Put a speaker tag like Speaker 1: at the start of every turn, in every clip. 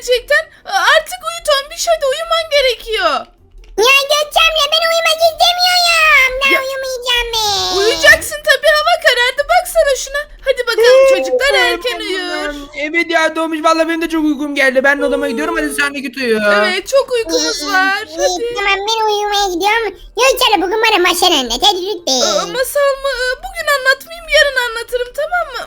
Speaker 1: gerçekten. Artık uyu Tombiş, hadi uyuman gerekiyor.
Speaker 2: Ya Gökçem'le ben uyumak istemiyorum. Ben
Speaker 1: Ya-
Speaker 2: uyumayacağım ben.
Speaker 1: Uyuyacaksın tabii, hava karardı, baksana şuna. Hadi bakalım, çocuklar erken uyur.
Speaker 3: Evet ya Doğmuş, vallahi benim de çok uykum geldi. Ben de odama gidiyorum, hadi sen de git uyu.
Speaker 1: Evet, çok uykumuz var. Hadi.
Speaker 2: Tamam ben uyumaya gidiyorum. Gökçem'le bugün bana maşan anlat. Hadi lütfen.
Speaker 1: Masal mı? Bugün anlatmayayım, yarın anlatırım, tamam mı?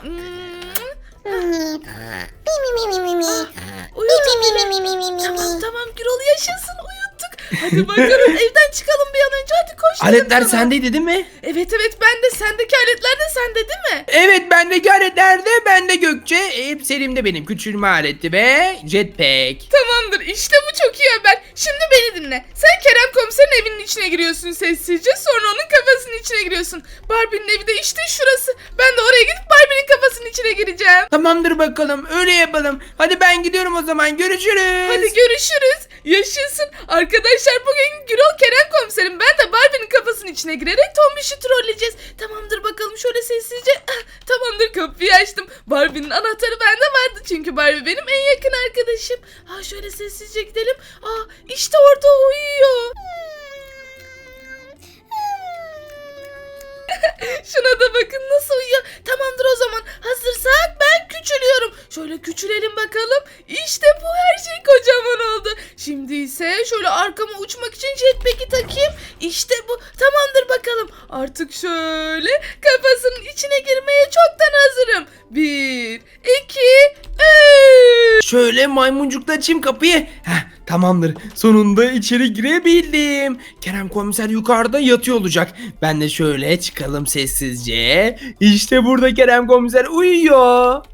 Speaker 1: Uyutun beni. Tamam Gürol, yaşasın, uyuttuk. Hadi bakalım, evden çıkalım bir an önce, hadi koş dedim
Speaker 3: Aletler
Speaker 1: sana.
Speaker 3: sendeydi değil mi?
Speaker 1: Evet ben de, sendeki aletler de sende değil mi?
Speaker 3: Evet, bendeki aletler de bende Gökçe. Hepsi elimde benim. Küçülme aleti ve jetpack.
Speaker 1: Tamamdır, işte bu çok iyi haber. Şimdi beni dinle. Sen Kerem komiserin evinin içine giriyorsun sessizce, sonra onun kafasının içine giriyorsun. Barbie'nin evi de işte şurası. Ben de oraya gidip Barbie'nin kafasının içine gireceğim.
Speaker 3: Tamamdır bakalım, öyle yapalım. Hadi ben gidiyorum o zaman, görüşürüz.
Speaker 1: Hadi görüşürüz. Yaşasın. Arkadaşlar bugün Gürol Kerem komiserim, ben de Barbie'nin kafasının içine girerek Tombiş'i trolleyeceğiz. Tamamdır bakalım, şöyle sessizce. Tamamdır, kapıyı açtım. Barbie'nin anahtarı bende vardı çünkü Barbie benim en yakın arkadaşım. Şöyle sessizce gidelim. İşte orada uyuyor. Şuna da bakın nasıl uyuyor. Tamamdır o zaman. Hazırsak ben küçülüyorum. Şöyle küçülelim bakalım. İşte bu, her şey kocaman oldu. Şimdi ise şöyle arkama uçmak için jetpack'i takayım. İşte bu. Tamamdır bakalım. Artık şöyle kafasının içine girmeye çoktan hazırım. 1, 2, 3.
Speaker 3: Şöyle maymuncukla açayım kapıyı. Tamamdır. Sonunda içeri girebildim. Kerem komiser yukarıda yatıyor olacak. Ben de şöyle çıkalım sessizce. İşte burada Kerem komiser uyuyor.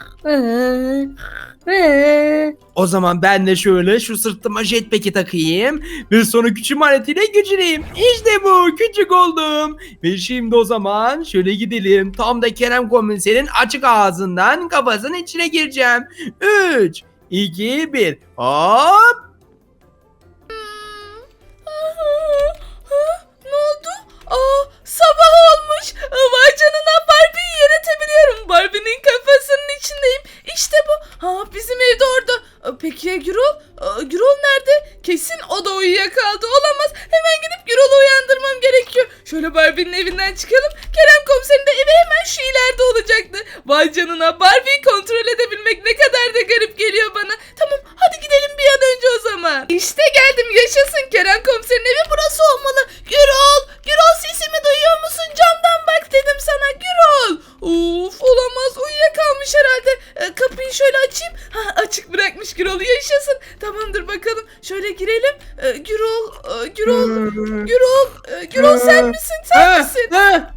Speaker 3: O zaman ben de şöyle şu sırtıma jetpack'i takayım ve sonra küçük aletiyle güçleyeyim. İşte bu, küçük oldum. Ve şimdi o zaman şöyle gidelim. Tam da Kerem komiserin açık ağzından kafasının içine gireceğim. 3, 2, 1. Hop!
Speaker 1: Ne oldu? Sabah olmuş. Vay canına, Barbie'yi yönetebiliyorum. Barbie'nin kafasının içindeyim. İşte bu. Bizim evde orada. Peki ya Gürol? Gürol nerede? Kesin o da uyuyakaldı. Olamaz. Hemen gidip Gürol'u uyandırmam gerekiyor. Şöyle Barbie'nin evinden çıkalım. Kerem komiserin de evi hemen şu ileride olacaktı. Vay canına, Barbie'yi kontrol edebilmek ne kadar da garip geliyor bana. Tamam, hadi gidelim bir an önce o zaman. İşte geldim, yaşasın. Kerem komiserin evi burası olmalı. Gürol sesimi duyuyor musun? Camdan bak dedim sana Gürol. Of, olamaz, uyuyakalmış herhalde. Kapıyı şöyle açayım. Açık bırakmış Gürol'u, yaşasın. Tamamdır bakalım. Şöyle girelim. Gürol sen misin? Sen misin?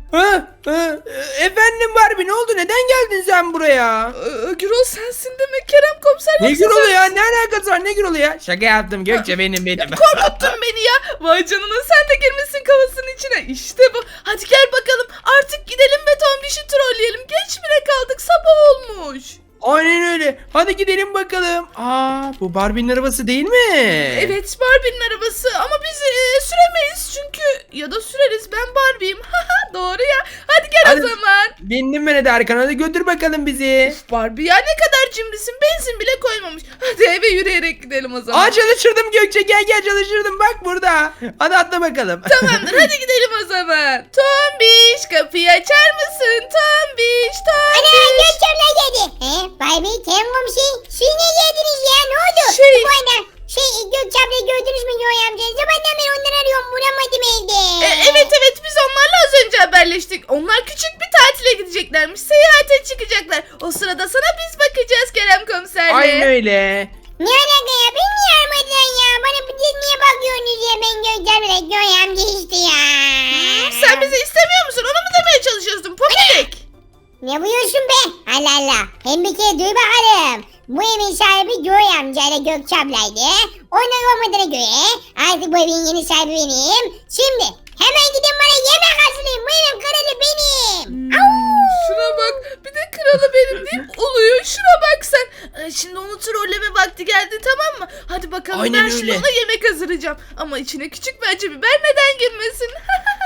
Speaker 3: Efendim Barbie, ne oldu? Neden geldin sen buraya?
Speaker 1: Gürol sensin demek. Kerem komiser
Speaker 3: Ne
Speaker 1: yoksa
Speaker 3: Gürol'u
Speaker 1: sen-
Speaker 3: ya? Ne alakası var? Ne Gürol'u ya? Şaka yaptım Gökçe, benim.
Speaker 1: Korkuttun beni ya. Vay canına, sen de girmişsin kafasının içine. İşte bu. Hadi gel bakalım. Artık gidelim ve Tombiş'i trolleyelim. Geç bile kaldık. Sabah olmuş.
Speaker 3: Aynen öyle. Hadi gidelim bakalım. Bu Barbie'nin arabası değil mi?
Speaker 1: Evet, Barbie'nin arabası ama biz süremeyiz çünkü, ya da süreriz, ben Barbie'yim. Doğru ya. Hadi gel
Speaker 3: Hadi.
Speaker 1: o zaman.
Speaker 3: Bindim ben de arkana, hadi götür bakalım bizi.
Speaker 1: Barbie ya, ne kadar cimrisin, benzin bile koymamış. Hadi eve yürüyerek gidelim o zaman.
Speaker 3: Çalıştırdım Gökçe, gel çalıştırdım, bak burada. Hadi atla bakalım.
Speaker 1: Tamamdır, hadi gidelim o zaman. Tombiş, kapıyı açar mısın? Tombiş.
Speaker 2: Ana Gökçem'le geldi. Barbie Kerem komşu. Siz ne yediniz ya? Ne oldu?
Speaker 1: Şey-
Speaker 2: Bu arada Gökçem'le gördünüz mü Yoy amca? Zamandan beri onları arıyorum, bulamadım evde.
Speaker 1: Evet biz onlarla az önce haberleştik. Onlar küçük bir tatile gideceklermiş. Seyahate çıkacaklar. O sırada sana biz bakacağız Kerem komiserle.
Speaker 3: Aynen öyle.
Speaker 2: Ne alaka ya? Beni niye aramadılar ya? Bana niye bakıyorsunuz ya? Ben Gökçem'le Yoy amca işte ya.
Speaker 1: Sen bizi istemiyor musun? Onu mu demeye çalışıyorsun Pomidik?
Speaker 2: Ne buyursun be? Allah Allah. Hem bir kere duy bakalım. Bu evin sahibi Joy amca ile Gökçe ablaydı. Onlar olmadığına göre artık bu evin yeni sahibi benim. Şimdi hemen gidin bana yemek hazırlayın. Bu evin kralı benim.
Speaker 1: Şuna bak, bir de kralı benim deyip uluyor. Şuna bak sen. Şimdi onu trolleme vakti geldi, tamam mı? Hadi bakalım,
Speaker 3: Aynen
Speaker 1: ben şimdi
Speaker 3: öyle.
Speaker 1: ona yemek hazırlayacağım. Ama içine küçük bir acı biber neden girmesin?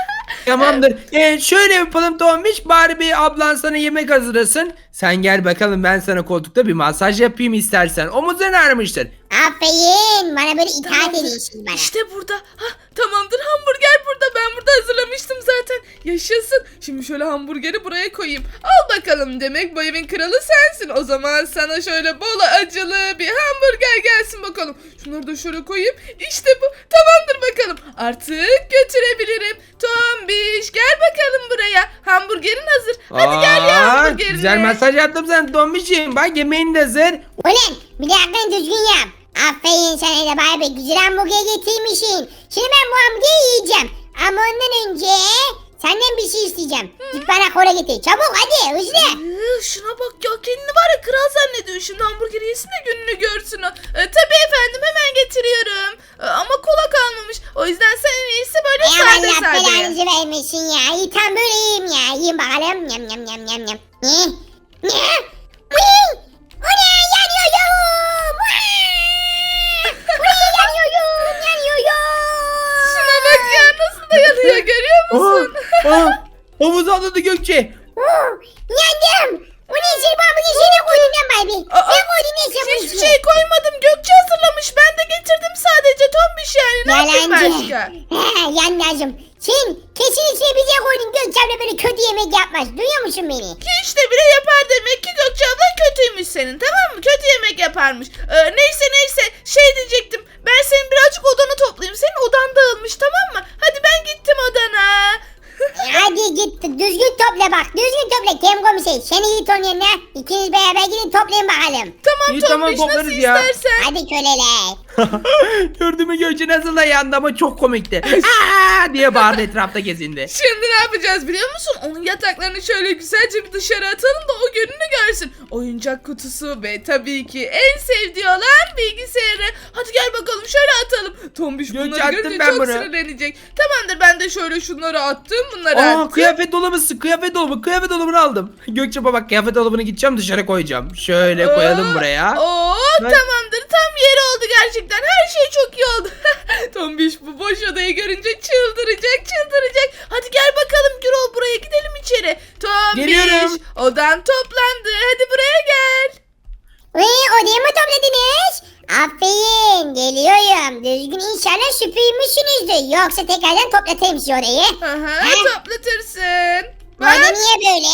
Speaker 3: Tamamdır. Şöyle yapalım Tombiş. Barbie ablan sana yemek hazırlasın. Sen gel bakalım, ben sana koltukta bir masaj yapayım istersen. Omuzların ağrımıştır.
Speaker 2: Aferin. Bana böyle itaat
Speaker 1: Tamamdır.
Speaker 2: ediyorsun bana.
Speaker 1: İşte burada. Hah, tamamdır, hamburger burada. Ben burada hazırlamıştım zaten. Yaşasın. Şimdi şöyle hamburgeri buraya koyayım. Al bakalım, demek bu evin kralı sensin. O zaman sana şöyle bol acılı bir hamburger gelsin bakalım. Şunları da şöyle koyayım. İşte bu. Tamamdır bakalım. Artık götürebilirim. Tombiş gel bakalım buraya. Hamburgerin hazır. Hadi gel ya hamburgerine.
Speaker 3: Güzel masaj yaptım sen Tombiş'im. Bak yemeğin de hazır.
Speaker 2: Ulan bir dakika düzgün yap. Aferin sana da Barbie. Güzel hamburger getirmişsin. Şimdi ben bu hamburgeri yiyeceğim. Ama ondan önce senden bir şey isteyeceğim. Git bana kola getir. Çabuk hadi hızlı.
Speaker 1: Şuna bak ya, kendini var ya kral zannediyor. Şimdi hamburger yesin de gününü görsün o. Tabii efendim, hemen getiriyorum. Ama kola kalmamış. O yüzden sen en iyisi böyle sade
Speaker 2: Allah
Speaker 1: sade.
Speaker 2: belanızı vermesin ya. İyi tam böyle yiyeyim ya. Yiyeyim bakalım. Yam yam yam yam yam. Ne? Ne? Uy! O ne? Yanıyorum! Uy, yanıyorum! Yanıyorum!
Speaker 1: Şuna bak ya, nasıl da yanıyor, görüyor musun?
Speaker 3: Omuz atladı Gökçe.
Speaker 2: Yandım! O ne için babamın içine koydun lan Barbie? Ne koydun ne için bunun
Speaker 1: Hiçbir
Speaker 2: içine?
Speaker 1: şey koymadım. Gökçe hazırlamış. Ben de getirdim sadece. Tombiş yani. Ne yapayım başka?
Speaker 2: Yandacım. Sen kesin içine bir şey koydun. Gökçem'le böyle kötü yemek yapmaz. Duyuyor musun beni?
Speaker 1: Hiç de bile yapar demek ki. Gökçe abla kötüymüş senin, tamam mı? Kötü yemek yaparmış. Neyse şey diyecektim. Ben senin birazcık odanı toplayayım. Senin odan dağılmış, tamam mı? Hadi ben gittim odana.
Speaker 2: Hadi git düzgün topla bak. Düzgün topla. Kem komiser. Seni git onun yanına. İkiniz beraber gidin toplayın bakalım.
Speaker 1: Tamam
Speaker 3: İyi,
Speaker 1: Tombiş,
Speaker 3: tamam,
Speaker 1: nasıl
Speaker 3: toplarız ya.
Speaker 1: istersen.
Speaker 2: Hadi köleler.
Speaker 3: Gördün mü Gökçe nasıl da yandı ama çok komikti. Aa diye bağırdı, etrafta gezindi.
Speaker 1: Şimdi ne yapacağız biliyor musun? Onun yataklarını şöyle güzelce bir dışarı atalım da o gününü görsün. Oyuncak kutusu ve tabii ki en sevdiği olan bilgisayarı. Hadi gel bakalım şöyle atalım. Tombiş
Speaker 3: Gökçe,
Speaker 1: bunları
Speaker 3: attım
Speaker 1: görünce
Speaker 3: ben
Speaker 1: çok
Speaker 3: bunu.
Speaker 1: sinirlenecek. Tamamdır, ben de şöyle şunları attım, bunları
Speaker 3: Aa
Speaker 1: attım.
Speaker 3: kıyafet kıyafet dolabını aldım. Gökçe bak, kıyafet dolabını gideceğim dışarı koyacağım. Şöyle koyalım buraya.
Speaker 1: Oo,
Speaker 3: Ben-
Speaker 1: tamamdır, tam yeri oldu gerçekten. Her şey çok iyi oldu. Tombiş bu boş odayı görünce çıldıracak. Hadi gel bakalım Gürol, buraya gidelim içeri. Tombiş
Speaker 3: Geliyorum.
Speaker 1: odan toplandı. Hadi buraya gel.
Speaker 2: Odaya mı topladınız? Aferin. Geliyorum. Düzgün inşallah süpürmüşsünüzdür. Yoksa tekrardan toplatayım size orayı.
Speaker 1: Aha, toplatırsın.
Speaker 2: Bu oda
Speaker 1: Bak.
Speaker 2: niye böyle?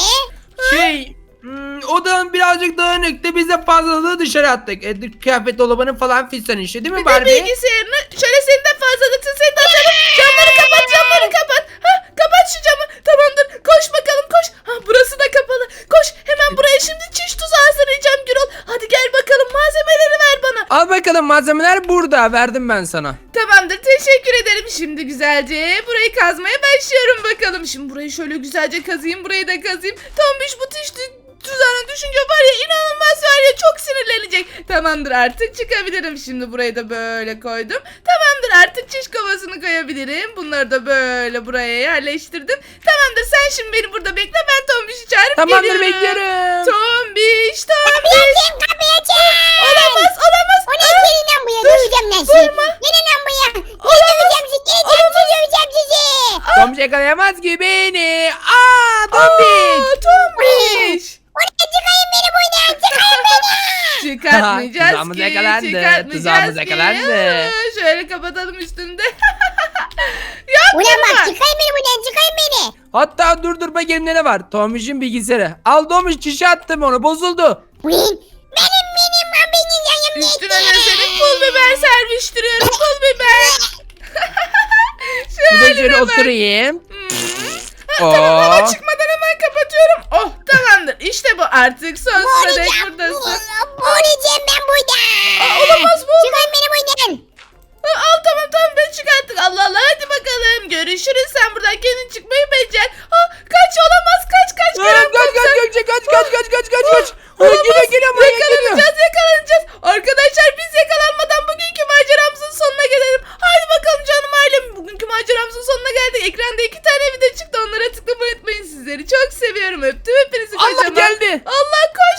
Speaker 3: Odanın birazcık dağınıktı. Biz de fazlalığı dışarı attık. Kıyafet dolabının falan fistan işte, değil mi
Speaker 1: Bir de
Speaker 3: Barbie?
Speaker 1: bilgisayarını şöyle senin de fazlalıksın, seni de atarım. Camları kapat. Ha, kapat şu camı. Tamamdır, koş bakalım koş. Ha, burası da kapalı. Koş hemen buraya, şimdi çiş tuzu hazırlayacağım Gürol. Hadi gel bakalım, malzemeleri ver bana.
Speaker 3: Al bakalım, malzemeler burada. Verdim ben sana.
Speaker 1: Tamamdır, teşekkür ederim. Şimdi güzelce burayı kazmaya başlıyorum bakalım. Şimdi burayı şöyle güzelce kazıyım, burayı da kazıyım. Tombiş bu tuzağına düşünce var ya, inanılmaz var ya, çok sinirlenecek. Tamamdır, artık çıkabilirim. Şimdi burayı da böyle koydum. Tamamdır, artık çiş kovasını koyabilirim. Bunları da böyle buraya yerleştirdim. Tamamdır, sen şimdi beni burada bekle, ben Tombiş'i çağırıp
Speaker 3: Tamamdır,
Speaker 1: geliyorum.
Speaker 3: bekliyorum.
Speaker 1: Tombiş.
Speaker 2: Kapıyı açın.
Speaker 1: Olamaz.
Speaker 2: O ne gelin lan buraya? Döveceğim lan sizi. Gelin lan buraya. Döveceğim sizi. Döveceğim sizi.
Speaker 3: Tombiş yakalayamaz ki beni. Aa Tombiş.
Speaker 1: Tombiş.
Speaker 2: O ne? Çıkayın beni buradan. Çıkayın beni.
Speaker 1: Çıkartmayacağız
Speaker 3: Tuzağımız
Speaker 1: ki.
Speaker 3: yakalandı,
Speaker 1: Çıkartmayacağız
Speaker 3: tuzağımız
Speaker 1: ki.
Speaker 3: yakalandı.
Speaker 1: Şöyle kapatalım üstünde.
Speaker 2: Ulan bak
Speaker 1: Yapma.
Speaker 2: çıkayın beni buradan. Çıkayın beni.
Speaker 3: Hatta dur bakayım ne var. Tombiş'in bilgisayarı. Al Tombiş, çişe attım onu, bozuldu.
Speaker 2: Ulan benim yanım
Speaker 1: Üstüne de senin pul biber serpiştiriyorum. Pul biber.
Speaker 3: Bir de
Speaker 1: Şöyle
Speaker 3: şöyle
Speaker 1: bak.
Speaker 3: oturayım.
Speaker 1: Tamam, hava
Speaker 3: Oo.
Speaker 1: çıkmadan hemen kapatıyorum. Oh, tamamdır. İşte bu, artık sonsuza dek buradasın.
Speaker 2: Boğulacağım ben burada.
Speaker 1: Olamaz bu.
Speaker 2: Çıkayın beni buradan.
Speaker 1: Al tamam ben çıkarttık. Allah Allah, hadi bakalım. Görüşürüz, sen buradan kendin çıkmayı becer. Kaç, olamaz, kaç.
Speaker 3: Kaç Gökçe, kaç. Geliyor buraya, geliyor.
Speaker 1: Yakalanacağız. Arkadaşlar biz yakalanacağız.